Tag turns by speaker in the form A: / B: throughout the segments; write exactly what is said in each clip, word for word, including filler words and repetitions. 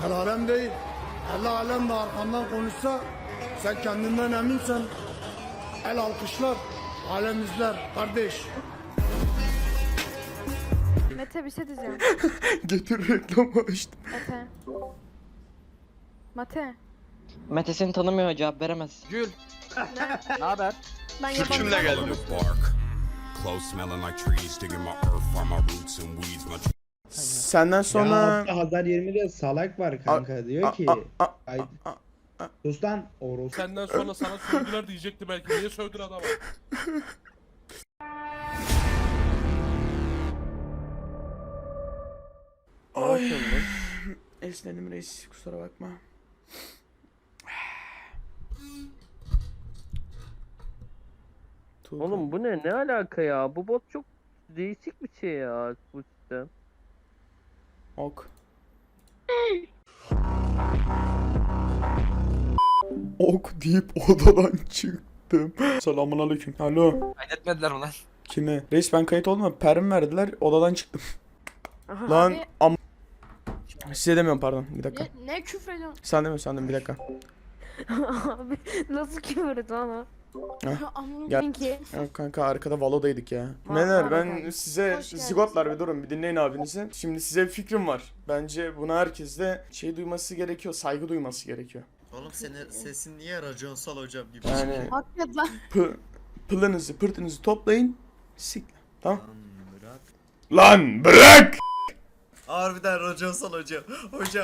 A: El alem değil. El alem de arkandan konuşsa sen kendinden eminsen el alkışlar, alem izler kardeş.
B: Mete bir şey diyeceğim.
C: Getir reklamı açtım.
B: Mete. Mete.
D: Mete seni tanımıyor, cevap veremez.
E: Gül.
B: Ne?
E: Ne haber?
B: Ben
E: Kürkümle
B: yabancı
E: geldim.
B: olmadım.
F: Close smelling like trees, digging my earth, find my roots and weeds. My
C: Senden sonra...
G: Ya Hazar yirmide salak var kanka diyor ki
C: a- a-
G: ay sus lan Oros.
H: Senden sonra sana sövdüler diyecekti belki. Niye sövdün adama?
C: Ay. Esnedim reis, kusura bakma. Tuğkan.
I: Oğlum bu ne? Ne alaka ya? Bu bot çok değişik bir şey ya bu sistem.
C: Ok. Ok deyip odadan çıktım. Selamun aleyküm. Alo.
E: Kaydetmediler mi lan?
C: Kime? Reis ben kayıt oldum ama perm verdiler, odadan çıktım. Lan
B: Abi-
C: am... Size demiyorum, pardon, bir dakika.
B: Ne, ne küfür ediyorsun?
C: Sen demiyorsun, sen demiyorsun, bir dakika.
B: Abi nasıl küfür ediyorsun ama?
C: Heh.
B: Anladım
C: Gel.
B: ki.
C: Ya kanka arkada Valo'daydık ya.
B: Va-
C: Neler
B: var
C: ben
B: efendim.
C: size
B: Hoş geldiniz.
C: zigotlar bir durun, bir dinleyin abinizi. Şimdi size bir fikrim var. Bence buna herkes de şey duyması gerekiyor, saygı duyması gerekiyor.
J: Oğlum senin sesin niye raconsal hocam gibi?
C: Yani
B: Hakikaten lan.
C: pı, pılınızı pırtınızı toplayın. Sik. Tamam.
J: Lan bırak.
C: Lan bırak!
J: Harbiden raconsal hocam. Hocam.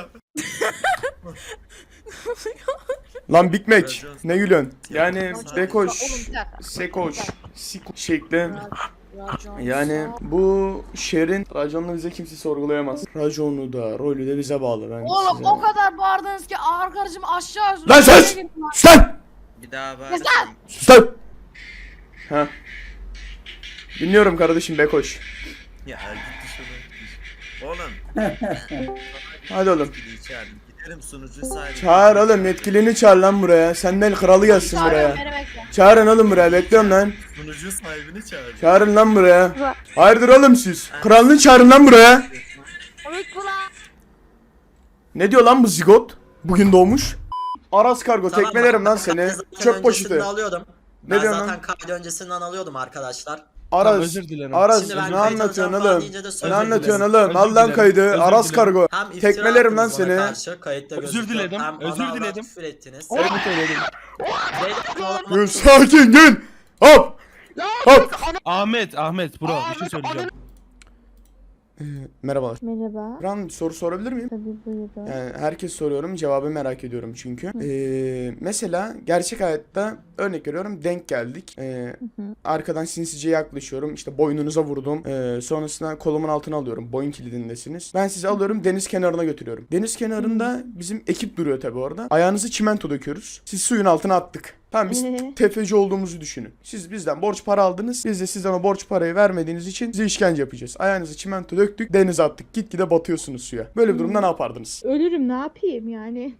C: Lan Big Mac.
J: Racon.
C: Ne gülüyorsun? Yani
J: Racon.
C: Bekoş,
B: Oğlum bir dakika.
C: Sekoş, Sik şekli.
B: Racon.
C: Yani bu şehrin raconunu bize kimse sorgulayamaz. Raconu da, rolü de bize bağlı. Ben
B: Oğlum
C: size...
B: o kadar bağırdınız ki arkadaşım aşağı...
C: Lan sus! Sus lan!
J: Bir daha bak.
C: Sus lan! Ha. Dinliyorum kardeşim Bekoş.
J: Ya git dışarı. Oğlum.
C: Hadi oğlum.
J: Yetkili çağır. Gidelim sunucu sahibi.
C: Çağır oğlum, yetkilini çağır lan buraya. Senden kralı gelsin buraya.
B: Beni bekle.
C: Çağırın oğlum buraya, bekliyorum lan.
J: Sunucu sahibini çağır.
C: Çağırın lan buraya. Hayırdır oğlum siz? Kralını çağırın lan buraya.
B: Komik bu lan.
C: Ne diyor lan bu zigot? Bugün doğmuş. Aras kargo,
K: Tamam,
C: tekmelerim lan
K: ben
C: seni.
K: zaten
C: Çöp poşeti.
K: öncesinden alıyordum.
C: Ne
K: Ben
C: diyorsun
K: zaten
C: lan?
K: kaydı öncesinden alıyordum arkadaşlar.
C: Aras.
H: özür dilerim.
C: Aras
K: Şimdi ben
C: ne
K: kayıt
C: anlatıyorsun
K: alacağım falan
C: oğlum?
K: deyince de
C: Ne
K: özür
C: anlatıyorsun
K: dilerim.
C: oğlum? Al
H: Özür
C: lan
H: dilerim,
C: kaydı.
H: özür
C: Aras
H: dilerim.
C: kargo.
K: Hem iftira
C: Tekmelerim lan
K: attınız bana
C: seni.
K: karşı, kayıtta
H: Özür
K: gözüküyor.
H: diledim,
K: Hem
H: özür
K: bana
H: diledim.
K: küfür ettiniz.
H: Evet söyledim.
C: Gül sakin gül. Hop. Hop.
H: Ahmet, Ahmet bro bir şey söyleyeceğim.
C: Ee, merhabalar.
L: Merhaba.
C: Ran bir soru sorabilir miyim?
L: Tabii buyurun.
C: Yani herkes soruyorum, cevabı merak ediyorum çünkü. Ee, mesela gerçek hayatta örnek veriyorum, denk geldik. Ee, arkadan sinsice yaklaşıyorum, işte boynunuza vurdum. Ee, sonrasında kolumun altına alıyorum, boyun kilidindesiniz. Ben sizi alıyorum, deniz kenarına götürüyorum. Deniz kenarında bizim ekip duruyor tabii orada. Ayağınızı çimento döküyoruz. Siz suyun altına attık. Tamam, biz
L: Ee?
C: tefeci olduğumuzu düşünün. Siz bizden borç para aldınız. Biz de sizden o borç parayı vermediğiniz için size işkence yapacağız. Ayağınızı çimento döktük, denize attık. Gitgide batıyorsunuz suya. Böyle bir durumda ne yapardınız?
L: Ölürüm, ne yapayım yani?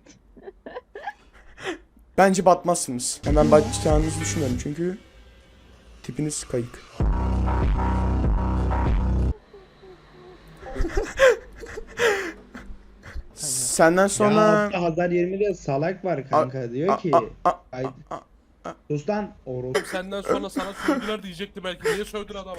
C: Bence batmazsınız. Hemen batacağınızı düşünüyorum çünkü tipiniz kayık. Senden sonra...
G: Ya Hazar yirmide salak var kanka diyor ki
C: a- a-
G: ay sus lan Oros.
H: Senden sonra sana sövdüler diyecekti belki. Niye sövdün adama?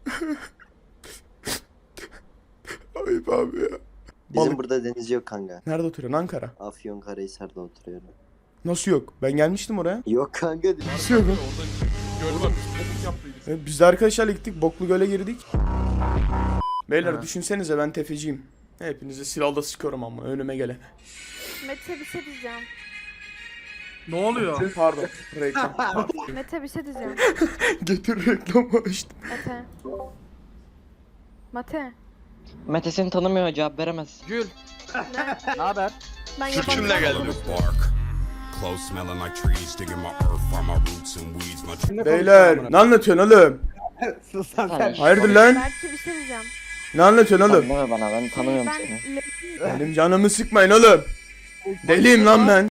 C: Ayıp abi ya.
K: Bizim
C: Balık.
K: burada deniz yok kanka.
C: Nerede oturuyorsun? Ankara.
K: Afyonkarahisar'da oturuyorum.
C: Nasıl yok? Ben gelmiştim oraya.
K: Yok kanka.
C: Nasıl yok?
H: Orada göl var. Biz topuk yaptıydık.
C: E, Biz de arkadaşlarla gittik. Boklu Göl'e girdik. Beyler
E: Ha.
C: düşünsenize, ben tefeciyim. Hepinizi silahla sıkıyorum ama önüme gelene.
B: Mete bir şey diyeceğim.
E: Ne oluyor?
C: Pardon. Reklam.
B: Mete bir şey diyeceğim.
C: Getir reklamı açtım.
B: Mete. Mete.
D: Mete seni tanımıyor, cevap veremez.
E: Gül.
B: Ne?
E: Ne haber?
B: Ben
E: Kürkümle
B: yabancı
E: geldim.
B: olmadım.
F: bark. Close smelling like trees, digging my earth, find my roots and weeds. My
C: Beyler ne anlatıyorsun oğlum?
I: Sus lan sen.
C: Hayırdır lan?
B: Belki bir şey diyeceğim.
C: Ne anlatıyorsun oğlum?
D: Tanımıyor bana, ben tanımıyorum
B: Ben...
D: seni.
C: Benim canımı sıkmayın oğlum. Deliyim lan ben.